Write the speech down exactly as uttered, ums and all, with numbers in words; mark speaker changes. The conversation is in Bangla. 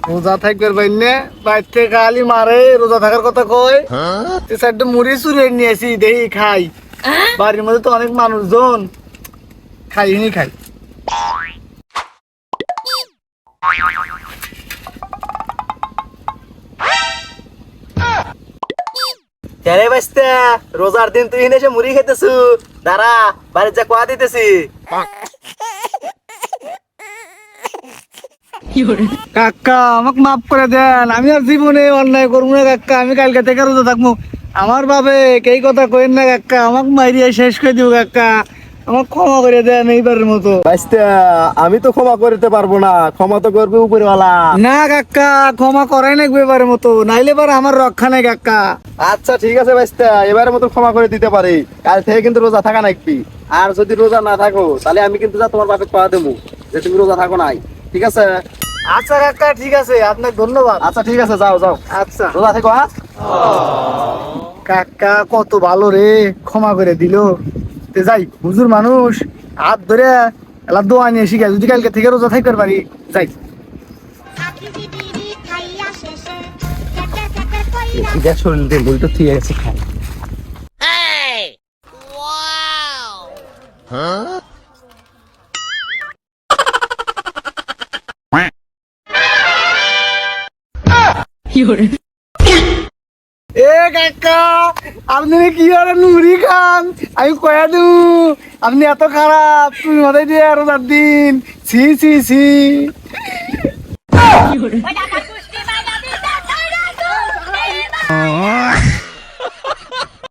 Speaker 1: রোজা থাকবার বাইনে বাইতে খালি মারে রোজা থাকার কথা কয় তুই সাইডে মুড়ি চুরে নিয়ে আসি দেখি খাই বাড়ির মধ্যে তো অনেক মানুষজন খাই নি খাই
Speaker 2: কেরে বাস্তা রোজার দিন তুই এসে মুড়ি খেতেছু দাঁড়া বাড়ির যা কোয়া দিতেছি
Speaker 1: কাকা আমাকে মাফ করে দেন আমি আর জীবনে অন্যায় করবো না কাকা আমি কালকে থেকে রোজা থাকবো আমার বাবে এই কথা কইেন না কাকা আমাকে মাইরিয়া শেষ করে দিব কাকা আমাকে ক্ষমা করে দেন এইবারের মতো
Speaker 2: বাস্তা আমি তো ক্ষমা করতে পারবো না ক্ষমা তো করবে উপরওয়ালা
Speaker 1: না কাকা ক্ষমা করাই না এবারের মতো নাইলে এবার আমার রক্ষা নাই কাকা
Speaker 2: আচ্ছা ঠিক আছে বাস্তা এবারের মতো ক্ষমা করে দিতে পারি কাল থেকে কিন্তু রোজা থাকা নাকি আর যদি রোজা না থাকো তাহলে আমি কিন্তু যা তোমার বাপে পাওয়া দেবো যে তুমি রোজা থাকো নাই ঠিক আছে
Speaker 1: আচ্ছা কাকা ঠিক আছে আপনাকে ধন্যবাদ
Speaker 2: আচ্ছা ঠিক আছে যাও যাও
Speaker 1: আচ্ছা
Speaker 2: রোজা থেকো হ্যাঁ
Speaker 1: কাকা কত ভালো রে ক্ষমা করে দিল তে যাই হুজুর মানুষ হাত ধরে এলা দোয়া নিয়ে শিখে যদি কালকে থেকে রোজা থাকতে পারি যাই
Speaker 2: এটা শরীর দিয়ে বই তো ঠিক আছে খাই
Speaker 1: এ কাকা আপনি কি আর নুরি খান আমি কয়া দু আপনি এত খারাপ তুমি মাথায় দিয়ে আরো চার দিন সি সি সি